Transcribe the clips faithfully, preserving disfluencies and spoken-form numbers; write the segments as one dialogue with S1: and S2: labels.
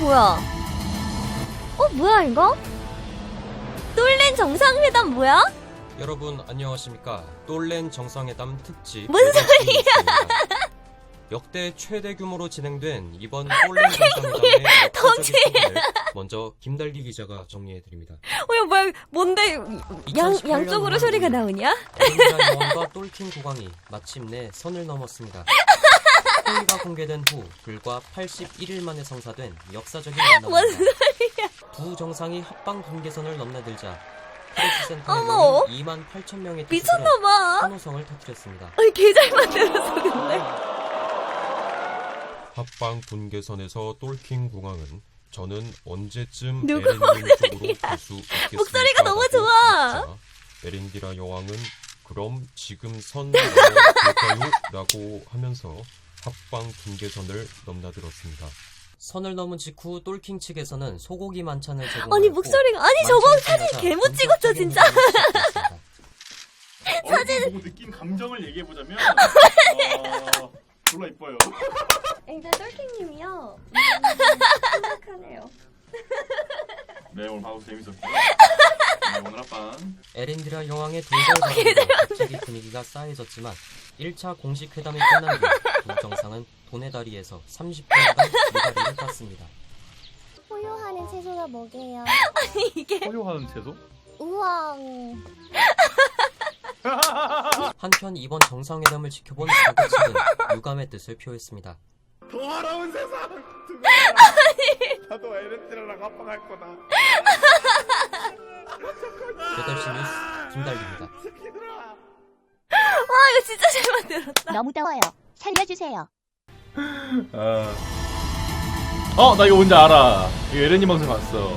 S1: 뭐야? 어 뭐야 이거? 똘렌 정상회담 뭐야?
S2: 여러분 안녕하십니까? 똘렌 정상회담 특집
S1: 뭔 소리야?
S2: 역대 최대 규모로 진행된 이번 똘렌 정상회담의 역사적인 순간을 먼저 김달기 기자가 정리해드립니다.
S1: 어야 뭐야 뭔데 양, 양쪽으로 소리가 나오냐?
S2: 에렌디라 여왕과 똘킹 국왕이 마침내 선을 넘었습니다. 회의가 공개된 후 불과 팔십일 일 만에 성사된 역사적인
S1: 뭔
S2: 만남입니다.
S1: 소리야?
S2: 두 정상이 합방 분계선을 넘나들자 프레스센터에
S1: 어머.
S2: 모인 이만 팔천 명의 투수들은
S1: 미쳤나봐.
S2: 환호성을 터뜨렸습니다.
S1: 아니 개잘 만들었어 근데.
S3: 합방 분계선에서 똘킹 공항은 저는 언제쯤
S1: 누구
S3: 에렌님 쪽으로 갈 수 있겠습니까?
S1: 목소리가 너무
S3: 라고
S1: 좋아.
S3: 묻자 에렌디라 여왕은 그럼 지금 선 넘어볼까요? 라고 하면서 합방 분계선을 넘나들었습니다.
S2: 선을 넘은 직후 똘킹 측에서는 소고기 만찬을 제공하고
S1: 아니 목소리가 아니 저거 사진 개못 찍었죠 진짜.
S4: 사진 보고 느낀 감정을 얘기해 보자면 어, 졸라 이뻐요.
S1: 근데 똘킹님이요. 심각하네요.
S4: 네 오늘 방송 재밌었고요. 네, 오늘 합방
S2: 에렌디라 여왕의 돌발사건으로 갑자기 분위기가 싸해졌지만 일 차 공식 회담이 끝난 뒤 두 정상은 도네다리에서 삼십 분간 물다리를 땄습니다.
S5: 포효하는 채소가 뭐게요?
S1: 아니 이게
S4: 포효하는 채소?
S5: 우왕.
S2: 한편 이번 정상회담을 지켜본 자국 측은 유감의 뜻을 표했습니다.
S4: 더러운 세상. 나도 에렌디라랑 합방할 거다.
S2: 여덟 시 뉴스 김달기입니다.
S1: 와 이거 진짜 잘 만들었다.
S5: 너무 더워요. 살려주세요.
S4: 아. 어, 나 이거 뭔지 알아. 이거 에렌님 방송 봤어.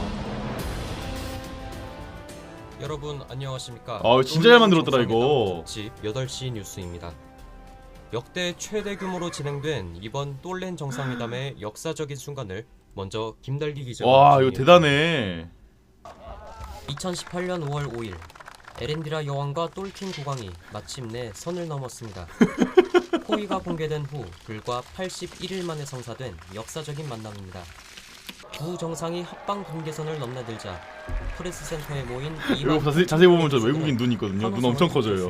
S2: 여러분 안녕하십니까?
S4: 아, 진짜 잘 만들었더라, 이거.
S2: 특집 여덟 시 뉴스입니다. 역대 최대 규모로 진행된 이번 똘렌 정상회담의 역사적인 순간을 먼저 김달기 기자가
S4: 와, 이거
S2: 정리해드립니다.
S4: 대단해.
S2: 이천십팔 년 오월 오 일 에렌디라 여왕과 똘킹 국왕이 마침내 선을 넘었습니다. 호의가 공개된 후 불과 팔십일 일 만에 성사된 역사적인 만남입니다. 두 정상이 합방 분계선을 넘나들자 프레스센터에 모인
S4: 이거 자세히, 자세히 보면 저 외국인 눈 있거든요. 눈 엄청 커져요.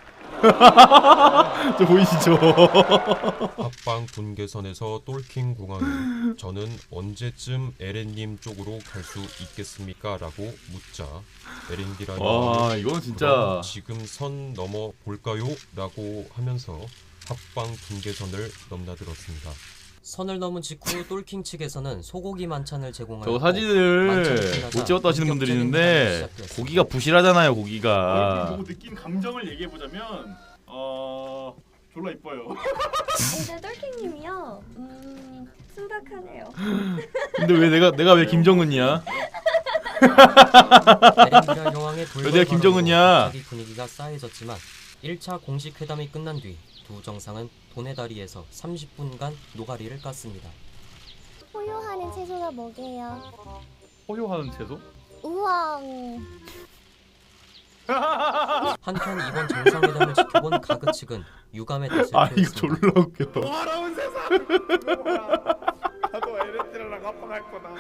S4: 저 보이시죠?
S3: 합방 분계선에서 똘킹 공항은 저는 언제쯤 에렌님 쪽으로 갈 수 있겠습니까? 라고 묻자 에렌디라
S4: 와,
S3: 여왕은
S4: 이건
S3: 그럼
S4: 진짜.
S3: 지금 선 넘어 볼까요? 라고 하면서 합방 분계선을 넘나들었습니다.
S2: 선을 넘은 직후 똘킹 측에서는 소고기 만찬을 제공하고
S4: 저거 사진을 못 찍었다 하시는 분들이 있는데 고기가 부실하잖아요, 고기가.
S6: 보고 느낀 감정을 얘기해 보자면 어 졸라 이뻐요.
S1: 근데 똘킹님이요. 음 심각하네요.
S4: 근데 왜 내가 내가 왜 김정은이야?
S2: 에렌디라 여왕의
S4: 왜 내가 김정은이야?
S2: 갑자기 분위기가 싸해졌지만 일 차 공식 회담이 끝난 뒤 두 정상은 도네다리에서 삼십 분간 노가리를 깠습니다.
S5: 포효하는 채소가 뭐게요?
S4: 포효하는 채소?
S5: 우왕.
S2: 한편 이번 정상회담을 지켜본 가그 측은 유감의 뜻을
S4: 아, 이거
S2: 표했습니다.
S4: 졸라 웃겨.
S6: 더러운 세상. 나도 에렌디라랑 합방할 거다.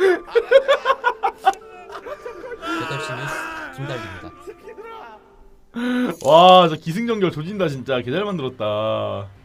S2: 여덟 시 뉴스 김달기입니다.
S4: 와, 저 기승전결 조진다 진짜. 개 잘 만들었다.